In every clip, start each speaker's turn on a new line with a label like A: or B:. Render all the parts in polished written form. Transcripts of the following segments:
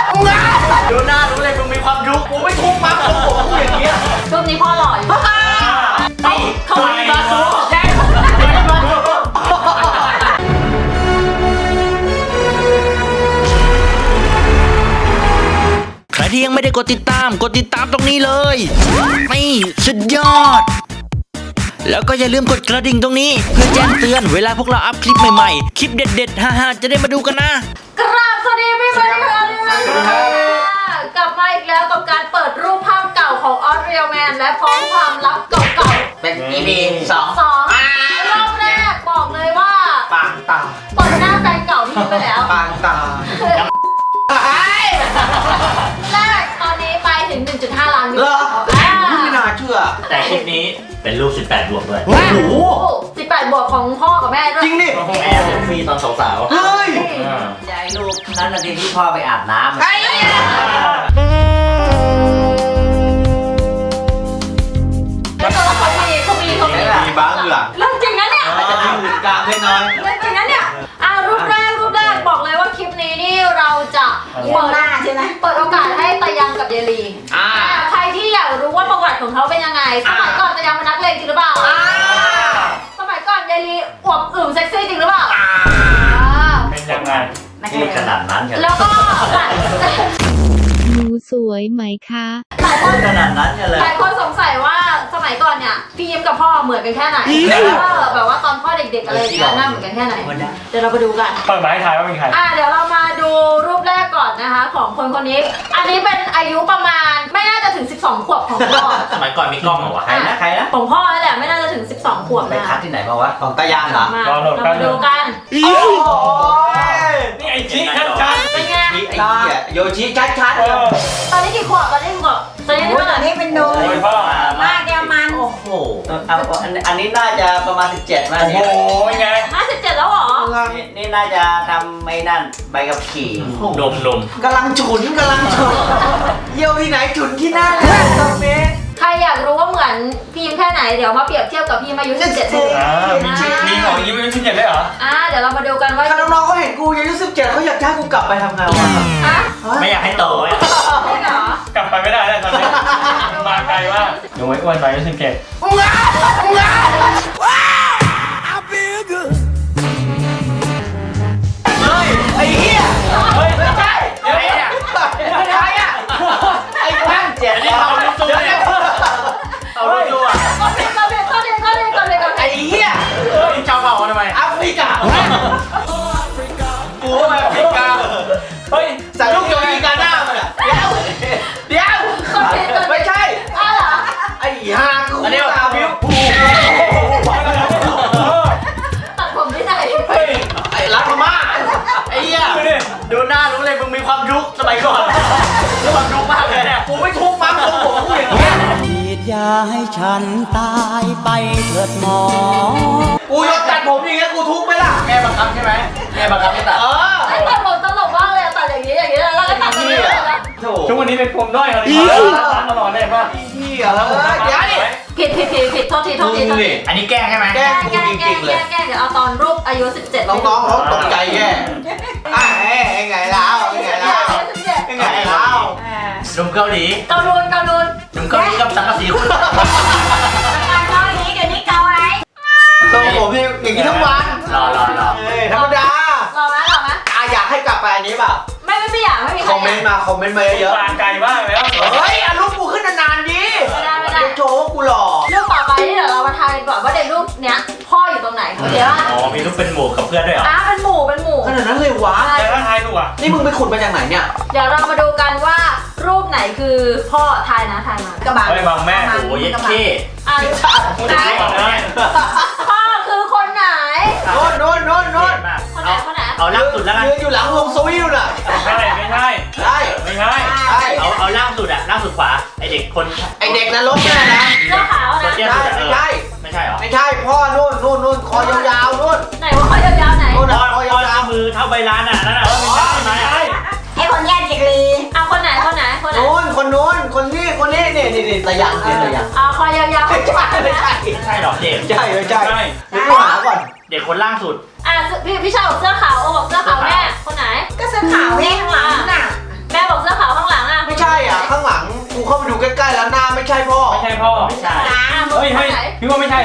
A: ดูหน้ารู้เลยมึงมีความยุคกูไม่ทุกข์มั้งของผมกูอย่างเงี้ย
B: รูปนี้พ่อหล่ออยู่เขาไม่มาสู้แย่
C: ใครที่ยังไม่ได้กดติดตามตรงนี้เลยนี่สุดยอดแล้วก็อย่าลืมกดกระดิ่งตรงนี้เพื่อแจ้งเตือนเวลาพวกเราอัพคลิปใหม่ๆคลิปเด็ดๆฮ่าๆจะได้มาดูกันนะ
B: กราบสวัสดีพี่มาริค่ะกลับมาอีกแล้วกับการเปิดรูปภาพเก่าของออสเรียลแมนและพร้อมความลับเก่าๆ
A: เป็น EP 2
B: รอบแรกบอกเลยว่า
A: ปางตา
B: เปิดหน้าแฟนเก่าที่ไปแล้ว
A: ปางตา
B: แรกตอนนี้ไปถึง 1.5 ล้านวิว
A: เหรอไม่น่าเชื่อ
D: แต่คลิปนี้เป็นรูป18 บวกด้วย
A: โอ้โห
B: 18 บวกของพ่อกับแม่ด้วย
A: จริงดิ
D: แม่เป็นฟรีตอนสาว
A: เฮ้ย
E: ใจลูกนั่นนาทีที่พ่อไปอาบน้ำ
A: ไอ้
B: แล้วตัวละครเขามี
A: มีบ้างเหรอ
B: เรื่องจริงนะเนี่ย
A: จะมีหื่นกลางเล็กน้อย
B: เรื่องจริงนะเนี่ยรูปแรกบอกเลยว่าคลิปนี้นี่เราจะเปิดหน้าใช่ไหมเปิดโอกาสให้ตายังกับเยลีใครที่อยากรู้ว่าประวัติของเขาเป็นยังไงสมัยก่อนตายังเป็นนักเลงจริงหรือเปล่าสมัยก่อนเยลีอวบอึมเซ็กซี่จริงหรือเปล่า
D: เป็นยังไงที่ขนาดนั้นกัน
B: แล้วก็
F: หนูสวยไหมคะ
B: หลายคน
E: ขนาดนั้นเลย
B: หลายคนสงสัยว่าสมัยก่อนเนี่ยพี่ยิ้มกับพ่อเหมือนกันแค่ไหนแบบว่าตอนพ่อเด็กๆอะไรอย่างเงี้ยหน้าเหมือนกันแค่ไหนเดี๋ยวเราไปดูกัน
D: เปิดมาให้ทายว่าเป็นใคร
B: เดี๋ยวเรามาดูรูปแรกก่อนนะคะของคนคนนี้อันนี้เป็นอายุประมาณไม่น่าจะถึง12 ขวบของพ่อ
D: สมัยก่อนมีกล้องเหรอวะ
E: ใครนะ
B: ของพ่อนั่นแหละไม่น่าจะถึง12 ขวบ
E: ไป
B: นะ
E: คัดที่ไหนมาวะ
A: ของตายางเหรอ
B: เรามาดูกัน
A: โอ้ย
D: นี่ไอจิ๊กชัด
B: เป็นไง
A: ไอ้เหี้ยโยชิชัดๆ
B: ตอนนี้กี่ขวบตอนนี้กี่ขวบตอนนี้เท่าไหร่นี่เป็นโด
D: โอ้ยพ่อ
B: มากแกมัน
E: โอ้โหอันนี้น่าจะประมาณ17มา
D: โอ้โห
E: เนี่ย
D: ไง
B: 57แล้วเหรอ
E: นี่น่าจะทำไม่นั่นใบกับขี่
D: นม
A: กำลังฉุนเยี่ยวที่ไหนฉุนที่นั่นตรงนี้
B: ใครอยากรู้ว่าเหมือนพี่ยิ้มแค่ไหนเดี๋ยวมาเปรียบเทียบกับพี่อายุ17
D: มีของยิ้มเป็นชิ้นใหญ่ได้เหรอ
B: เดี๋ยวเรามาดูกันว่า
A: ถ้าน้องๆเขาเห็นกูอายุ17เขาอยากให้กูกลับไปทำงานวะ
D: ไม่อยากให้โตอ่ะ
B: จริงเหรอก
D: ลับไปไม่ได้แล้วตอนนี้มาไกลมากยังไม่อ้วนไปไม่สิงเกต
A: เฮ้ยไอ้เหี้ย
D: เฮ้ย
A: ไม่ใช่
D: เดี๋ยวเนี่ย
A: ไม่ใช่อ่ะไอ้แม่งเจ็บ
D: อันนี้เอาลูกสู้เนี่ยเอาลูกสู้อ่ะ
B: ก่อนเลย
A: ไอ้เหี้ย
D: เฮ้ยเจ้าเผ่าทำไม
A: แอฟริกากูแอฟริกา
D: เฮ้ย
A: ใส่ลูกโยนีกาหน้ามันอ่ะเดี๋ยวไม่ใช่
B: เหรอ
A: ไอ้ห่ากูตาบิ้ว
B: ตัดผมที่ไหน
D: เฮ้ย
A: ไอ้รักพม่าไอ้เหี้ยดูหน้ารู้เลยมึงมีความยุคสมัยก่อนมีความยุคมากเลยเนี่ยกูไม่ทุกข์มั้งของผมกูอย่างเงี้ย
E: ฉีดยาให้ฉันตายไปเถิดหมอ
A: กูยกตัดผมอย่างเงี้ยกูทุกข์ไหมล่ะแม่บังคับใช่ไหมแม่บังคับให้ตัด
B: ตัดผมตลกมากเลยตัดอย่างนี้แล้วก็ตัดตรงนี้เลยนะ
D: ช่วงวันนี้เป็นปมด้อยอะไรตลอดเลยป่ะ
A: เหี้ยแล้วเดี๋ยวดิ
B: ผิดโทษที
D: อันนี้แกล้งใช่ไหม
A: แกล้งกูจริงๆเลย
B: แกเดี๋ยวเอาตอนรูปอายุ17
A: น้องๆเขาตกใจแย่ไงแล้วไงแล้ว
D: หนุ่มเกาหลี
B: เกาลูน
D: หนุ่มเกาหลีกับสังกะสีคุณ
B: การเกาหลีเดี๋ยวนี้เกาอะไร
A: ทรงผมอย่างนี้ทั้งวัน
D: รอ
A: ธรรมดา
B: หล่อไหม
A: อยากให้กลับไปอันนี้เปล่า
B: ไม่อยากไม่มี
A: คอมเมนต์มาเยอะ
D: ปานไกลมากแล้ว
A: เฮ้ยอารมณ์กูขึ้นนานๆดิโชว์ว่ากูหล่อ
B: รูปต่อไปที่เดี๋ยวเรามาทายกันก่อนว่าในรูปเนี้ยพ่ออยู่ตรงไหนเดี๋ยว
D: อ๋อมีรูปเป็นหมู่กับเพื่อนด้วยเหรอ
B: เป็นหมู่
A: ขนาดนั้นเลยวะ
D: แต่ถ้าทายถูกอ่ะ
A: นี่มึงไปขุดมาจากไหนเนี่ย
B: เดี๋ยวเรามาดูกันว่ารูปไหนคือพ่อทายมากระบะ
D: เฮ้ยบางแม่โอ้ยเย็ดเข้
B: ไหนพ่อคือคนไหน
A: โน่น
B: คนไหน
D: เอาล่างสุดแล้วกัน
A: ยืนอยู่หลังวงสวิลน่ะ
D: ไม่ใช่
A: ได้
D: เอาล่างสุดอ่ะล่างสุดขวาไอเด็กคน
A: ไอเด็กนรกเนี่ยนะ
B: เสื้อขาวนะ
D: ไม่ใช่หรอ
A: ไม่ใช่พ่อนู่นคอยาวๆนู่น
B: ไหนว่าคอยาวๆไหน
A: นู่น
D: พ
A: คอยาว
D: มือเท่าใบลานอ่ะนั่นแหละไม่ใช่ไหม
B: ไอ้คนแย่จิกลีคนไหน
A: คนนี้นี่ตะยัง
B: คอยาวๆ
A: ไม่ใช่
D: หรอเด็ก
A: ไม่ใช่เดี๋ยวกูหาก่อน
D: เด็กคนล่างสุด
B: พี่ชายบอกเสื้อขาวบอกเสื้อขาวแม่คนไหนก็เสื้อขาวแม่ข้างหลังน่ะแม่บอก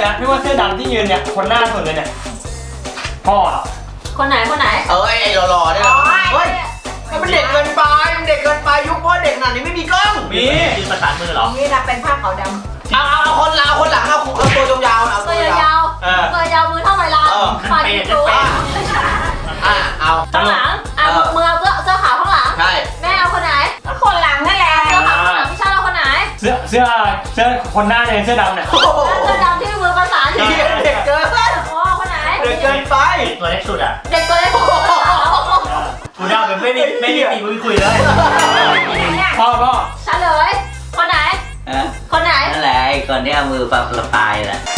D: นะพี่ว่าเสื้อดำที่ยืนเนี่ยคนหน้าสุดเลยเนี่ยพ่อ
B: คนไหนคนไหน
A: ไอ้หล่อๆเนี่ยเฮ้ยมันเด็กเกินไปมันเด็กเกินไปยุคพ่อเด็กขนาดนี้ไม่มีกล้อง
D: มี
A: มีประสานมือเหรอ
F: นี่นะเป็นผ้าขาวดำ
A: เอาคนหลังเอาตัวยาวๆเอา
B: ตัวยาวๆตัวยาวมือเท่าไหร่ล่ะฝ่ายยิงตัว
A: เอา
B: ข้างหลังมือเอาเสื้อขาวข้างหลัง
A: ใช่
B: แม่เอาคนไหน
F: ก็คนหลังนั่นแหละ
B: เสื้อขาวข้างหลังพี่ชาติเอาคนไหน
D: เสื้อคนหน้าเนี่ยเสื้อดำเนี่ย
B: เสื้อดำที่มือประสานอยู่
A: เด็กเกิน
B: โอ้คนไหน
A: เด็กเกินไป
G: ตัวเล็กสุดอ่ะ
B: เด็กตัวเล็กผม
G: กูเดาแบบไม่มีปีมึงคุยเลย
D: พ่อ
B: เฉลยคนไหนคนไหน
E: นั่นแหละไอ้คนที่เอามือปะปายแหละ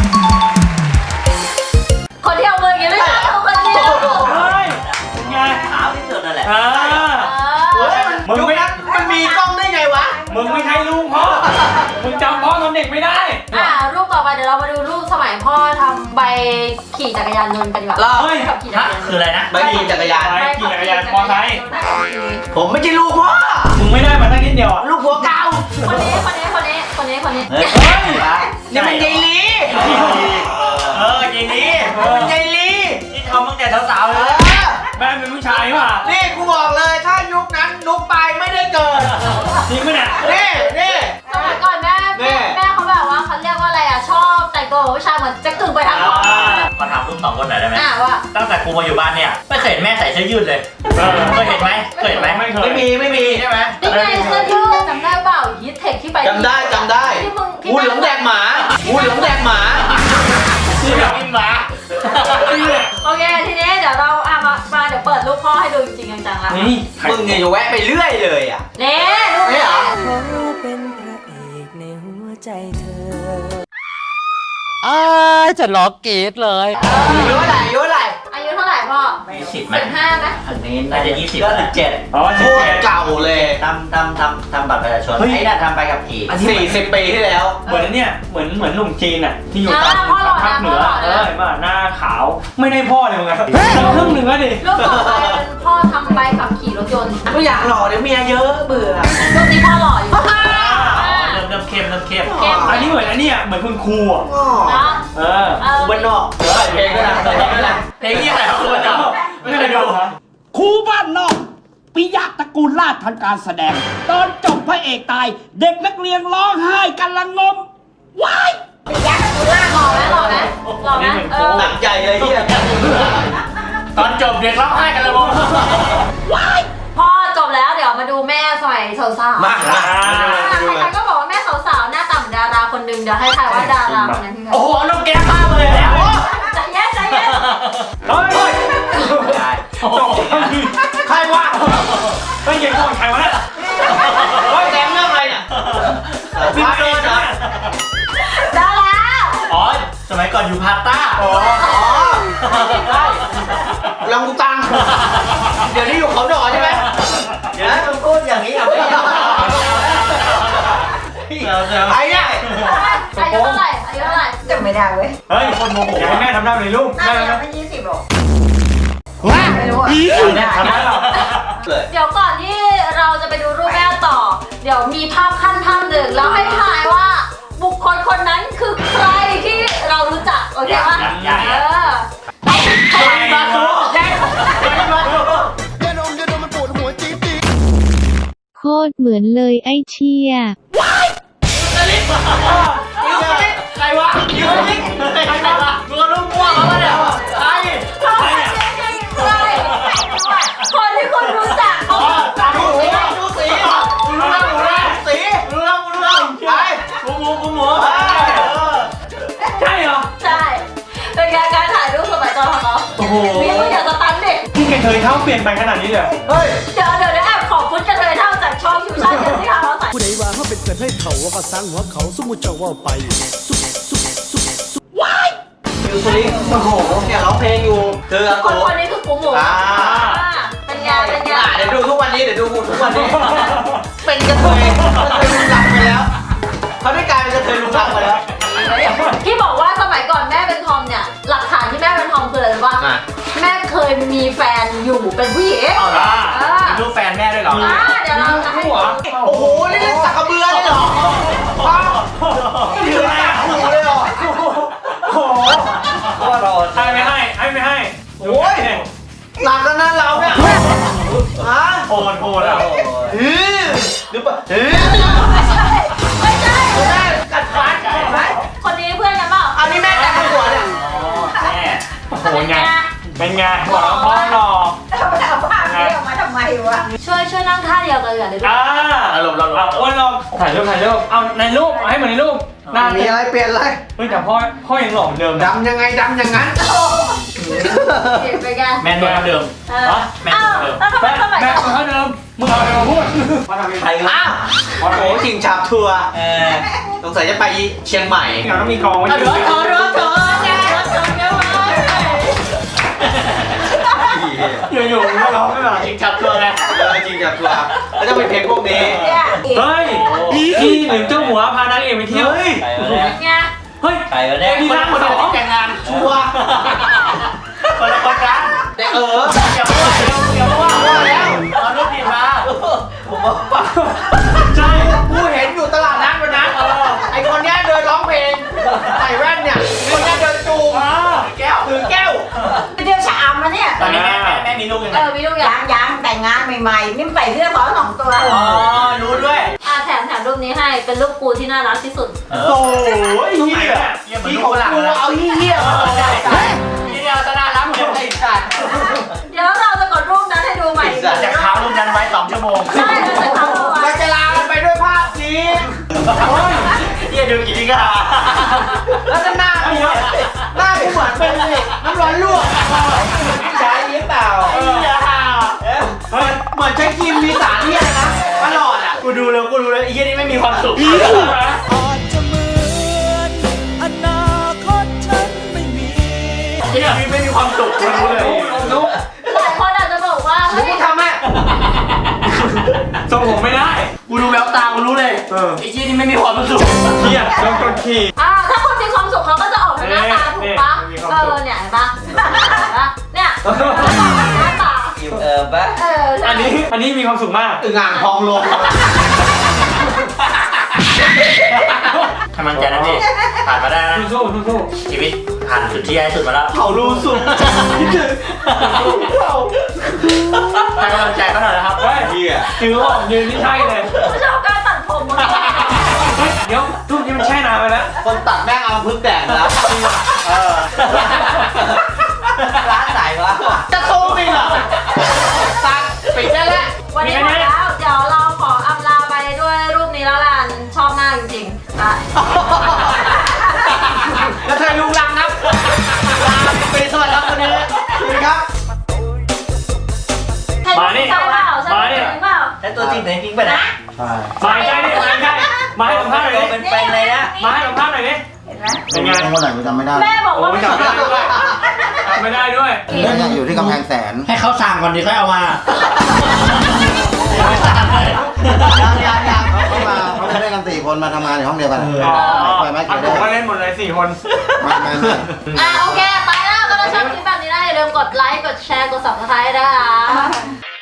B: คนที่เอามืออย่างนี้ไม่ใช่คนเดียว
D: เฮ้ยเป็นไง
E: ขาวที่สุดนั่นแหละ
D: มึงไม่
A: มันมีกล้องได้ไงวะ
D: มึงไม่ใช่ลูกพ่อมึงจำพ่อตอนเด็กไม่ได้
B: รูปต่อไปเดี๋ยวเรามาดูรูปสมัยพ่อทำใบขี่จักรยานยนต์กันดีกว่า
D: เฮ้ย
B: ขับขี่จักรยาน
G: คืออะไรนะ
A: ใบขี่จักรยาน
D: ไปขี่จักรยานมอไซค์
A: ผมไม่ใช่ลูกพ่อ
D: มึงไม่ได้มาตั้งนิดเดียวอ่ะ
A: ลูกหัวเก่า
B: คนนี้
E: เฮ้ย
A: นี่มันยายลี
G: ยิงนี้
A: มันยายลี
G: นี่ทำตั้งแต่สาวๆ
A: เอ
G: เลย
A: อ
D: แม่เป็นผู้ชายว่ะ
A: นี่กูบอกเลยถ้ายุคนั้นนุกไปไม่ได้เกิด
D: จริงปะเนี่ย
A: นี่
B: สมัยก่อนแม่เขาแบบว่าเขาเรียกว่าอะไรอ่ะชอบแต่งตัวผู้ชายเหมือนแจ็คกึ่งไปทางขวา
G: ขอถามลูก2 คนหน่อยได้ไหม
B: ว่า
G: ตั้งแต่กูมาอยู่บ้านเนี่ยไม่เคยเห็นแม่ใส่เสื้อยืดเลยเคยเห็นไหมเคยเห็นไหม
D: ไม่เคย
A: ไม่มีใช่ไหม
B: นี่ไงเสื้อยืดจำได้เปล่ายีเทคที่ไป
A: จำได้
B: ที่มึง
A: งูเหลือมแดกหมางูเหลือมแดกหมา
G: ที่แบบกินหมา
B: โอเคทีนี้เดี๋ยวเรามาเดี๋ยวเปิดรูปพ่อให้ดูจริงๆจังๆละ
D: นี่
A: มึงเนี่ยจะแวะไปเรื่อยเลยอ่ะ
B: นี่รูป
A: ไม่
B: นี้
A: เหรอ
F: เป็นพระเอกในหัวใจเธอ
E: จะล็อกเกตเลย
A: อายุเท่าไหร่
B: อายุเท่าไหร่พ่อ
G: 20ไหม
B: 15ไหม
E: อันนี้
G: น่าจะ20
E: ก็17
D: อ๋อ
A: โคตรเก่าเลย
E: ทำบัตรประชาชนไอ้น่ะทำไปกับขี่
A: 40 ปีที่แล้ว
D: เหมือนเนี่ยเหมือนหนุ่มจีนอ่ะที่อยู่ตามภาคเหนือเห็นป่ะหน้าขาวไม่ได้พ่อเลยมึงอะครึ่งหนึ่งแล้วดิ
B: รูปต่อไปเป็นพ่อทำใบขับขี่รถยนต์
A: ไม่อยากหล่อเดี๋ยวเมียเยอะเบื่อ
B: รูปนี้พ่อหล่ออยู่
G: เริ่มเข้ม
D: อันนี้เหมือนอันนี้อ่ะเหมือนคุณครูอ่ะ
B: นะ
D: เออ
A: บ้านนอกเดี๋ยวใส่เพลงก็ได้ใส่เพลงก็ได้
G: เพลงยี่อะไรครับคุณเจ้า
D: ไม่เคยดูฮะ
H: ครูบ้านนอกปิยะตระกูลราชทันการแสดง ตอนจบพระเอกตาย เด็กนักเรียนร้องไห้กันละงมว้าย
B: หล่อไหม
A: หนักใจเลยที่
G: ตอนจบเด็กร้องไห้กันเลยมึง
B: พ่อจบแล้วเดี๋ยวมาดูแม่สมัยสาวๆ
A: มา
B: ใครๆก็บอกว่าแม่สาวๆหน้าต่ำดาราคนหนึ่งเดี๋ยวให้ทายว่าดาราคนนั้นคือใคร
G: โอ้โหน้องแก้มมาเลยแล้ว
B: ใจเย็น
D: เฮ้ย
G: จบ
A: ใครวะ
D: ไม่ยิงก่อนใครวะเนี่ย
A: เฮ้ยแดงเรื่องอะไรเนี่ย
D: พี่เกินนะ
B: ดารา
G: อ๋อสมัยก่อนอยู่พาต้า
A: อ๋อลองกูตังเดี๋ยวนี้อยู่เขาดอใช่ไหม
E: เดี๋ยวนะมึงพูดอย่างนี้เอาไม่ได้
A: ไอ้เนี่ย
B: อายุเท่าไหร่
F: จำไม่ได้เว้ย
D: เฮ้ยคนโมโหอยากให้แม่ทำหน้าเลยลูก
F: น่า
D: แม่
F: จะ
D: นะ
F: ไม่20หรอก
A: ไม่รู้
D: ทำได้หรอ
A: เลย
B: เดี๋ยวก่อนที่เราจะไปดูรูปแม่ต่อ เดี๋ยวมีภาพขั้นภาพหนึ่งแล้วให้ทายว่าบุคคลคนนั้นคือใครที่เรารู้จักโอเคปะใครมาสู้
I: โคตรเหมือนเลยไอ้เชี่ย
G: ใครวะยูนิคใครวะมึงลูกม่วงแล้วเนี่ยใคร
B: คนที่คุณรู้จักเขา
A: ดูสีรู้เรื่องสีรู้เรื่องไป
G: กูหมู
D: ใช่เหรอ
B: ใช่เป็นการถ่ายรูปสมัยก่อนของเขา
D: โอ้โห
B: นี่มึงอย่าสตันดิ
D: พี่แกเคยเท้าเปลี่ยนไปขนาดนี้เลย
A: เฮ้ย
B: เดี๋ยวแอบขอบคุณกันเลยเท่าจากช่องคิวชั่นกันที่เขาใส่
H: ผู้ใดว่าเขาเป็นเกิดให้เขาว่าก็สร้างหัวเขาสมมุติเจ้าว่าไปว้าย
A: ยูสุริโอ้โหเนี่ยร้องเพลงอยู่คืออา
B: ค
A: โก
B: นนี้คือกูหมูเป็นไง
A: เดี๋ยวดูทุกวันนี้เป็นกระเทยลุงลังไปแล้วเขาได้กลายเป็นกระเทยลุงลังไปแล้ว
B: ที่บอกว่าสมัยก่อนแม่เป็นทอมเนี่ยหลักฐานที่แม่เป็นทอมคืออะไรรู้ป่ะแม่เคยมีแฟนอยู่เป็นผู้หญิง
G: เอาละมีรูปแฟนแม่ด้วยเหรอ
B: เดี๋ยวเราจะให้
A: โอ้โหนี่เล่นสักกระเบือเลยเหรอนี่คืออะไรหูเลยเหรอ
D: โอ้โหให้ไม่ให้ให้ไม่ให้
A: โอ้ยหนักแล้วนะเราเนี่ยฮะ
D: โหดอ่ะ
A: หรือเปล่า
B: ไม่ใช่
A: แม่กัดฟันเห็นไหม
B: คนนี้เพื่อนกันเปล่า
A: อันนี้แม่แต่งหัวเนี่ย
D: แม่โอ้โหไงเป็นไงบอกแล้วพ่อหล่อ
B: ช่วยนั่งท่าเดียวกันเลยดิ
D: อารมณ์เราอ้วนลองถ่ายรูปเอาในรูปให้เหมือนในรูปหน้า
A: มีอะไรเปลี่ยนอะไร
D: เฮ้ยแต่พ่อยังหล่อเหมือนเดิมนะ
A: ดำยังไงดำอย่างนั้น
B: เห็นไปแก
D: แมนตัวเดิม
B: แม่แล้วทำไมสมัย
D: แม่
B: ก่อน
D: เท่าเดิมมึงเอาอะไรมาพูดมาทำยังไง
A: อ้าวโอ้โหชิงฉาบทัวร์สงสัยจะไปเชียงใหม่
D: เราต้องมีกองไว้
A: เถ
D: อยู่ๆไม่ร้องไม่แบบ
A: ชิงฉาบทัวร์ไงชิงฉาบทัวร์แล้วจะเป็นเพลงพวกนี้
D: เฮ้ยพี่หรือเจ้าหัวพานางเอกไปเที่ยว
B: ไง
D: เฮ้ย
A: ใครวะเนี่ย
D: มี
A: คน
D: ร้าน
A: คน
D: สอ
A: เดียว
D: ง
A: แต่งงานชัวร์คนละคนกันแต่อย่าว่าแล้วเอารูปผิดมาผมว่า
D: ใช่
A: กูเห็นอยู่ตลาดนัดวันนั้นไอคนเนี้ยเดินร้องเพลงใส่แว่นเนี่ยคนเนี้ยเดินจูงถือแก้ว
G: ไปเที่ยวชะอำมาเนี่ย
A: ตอนนี้แม่มีลูกยังไง
B: มีลูกอย่าง
G: ยังแต่งงานใหม่ๆนี่ใส่เสื้อสองตัว
A: อ๋อรู้ด้วย
B: แถมรูปนี้ให้เป็นรูปกูที่น่ารักที่สุด
A: โอ้ยเหี้ยที่ของกูเอาเหี้ยมานี่เอาซะน่ารักเหมือนไอ้สัตว์
B: เดี๋ยวเราจะกดรูปนั้นให้ดูใหม่
A: จะค้างรูปนั้นไว้2 ชั่วโมง
B: ใช่เราจะทำเอาไว้
A: เราจะลากันไปด้วยภาพนี้เหี้ยดูกี่ทีก็หาแล้วก็หน้ากูหน้ากูเหมือนเป็นน้ำร้อนลวกใช้หรือเปล่าเหมือนใช้ครีมมีสารที่อะไรนะตลอดอ่ะกูดูแล้วไอ้เหี้ยนี่ไม่มีความสุข
E: อาจจะเหมือนอนาคตฉันไม่มี
A: ไอ้นี่ไม่มีความสุขกูรู้เลย
B: หลายคนอาจจะบอกว่า
A: หรือ
B: เฮ้ย
A: กูทำแม่
D: ทรงผมไม่ได้
A: กูดูแววตากูรู้เลยไอ้เหี้ยนี่ไม่มีความสุข
D: เฮียโดนกดขี่
B: ถ้าคนมีความสุขเขาก็จะออกมาหน้าตาถูกปะเนี่ยเห็นปะเนี่ยหน้าตา
A: อิ่มปะ
D: อันนี้มีความสุขมาก
A: อึ่งอ่างทองลงกำลังใจนะพี่ผ่านมาได้นะ
D: สู้
A: ชีวิตผ่านจุดที่แย่สุดมาแล้วเขารู้สุดคิดถึงให้กำลังใจเขาหน่อยนะครับ
D: เฮ้ยถือว่ายืนนี่ใช่เลย
B: ชอบการตัดผมมึง
D: เฮ้ยเดี๋ยวรูปนี้มันแช่นานไปแล้ว
A: คนตัดแม่งเอาพึ่งแดดแล้วร้านไหนวะจะโทรไปเหรอตัดปิดได้แล้ว
B: วันนี้หมดแล้วเดี๋ยวเราขออำลาไปด้วยรูปนี้แล้วล่ะชอบมากจริงๆได้
A: แล้วเธอลุงลังครับลาไปสวัสดีครับวันนี้สวัสดีครับ
D: มานี่
B: ใช่เปล่าใช่เปล่า
A: แล้วตัวจริงไหนจริงไปไหน
D: มาใกล้ดิมาให้สัมภาษณ์หน่อยดิ
A: เป็นเลยนะ
D: มาให้สัมภาษณ์หน่อยดิเป็นไง
E: เมื่อไหร่กูจำไม่ได้
B: แม่บอก
D: โอ้
B: ว่า
D: จำไม่ได้ด้วยจำไม่ได้ด้วย
E: แล้วยังอยู่ที่กำแพงแสน
A: ให้เขาสั่งก่อนดีค่อยเอามา
E: ยังเขามาเขาไม่ได้กัน4 คนมาทำงานในห้องเดียวกันไปไหม
D: อั
E: เกี่
D: น
E: ยว
D: ผม
E: ได้
D: ก็เล่นหมดเลย4 คน
E: ไม่
B: โอเคไปแล้วก็ถ้าชอบคลิปแบบนี้นะอย่าลืมกดไลค์กดแชร์กด subscribe นะคะ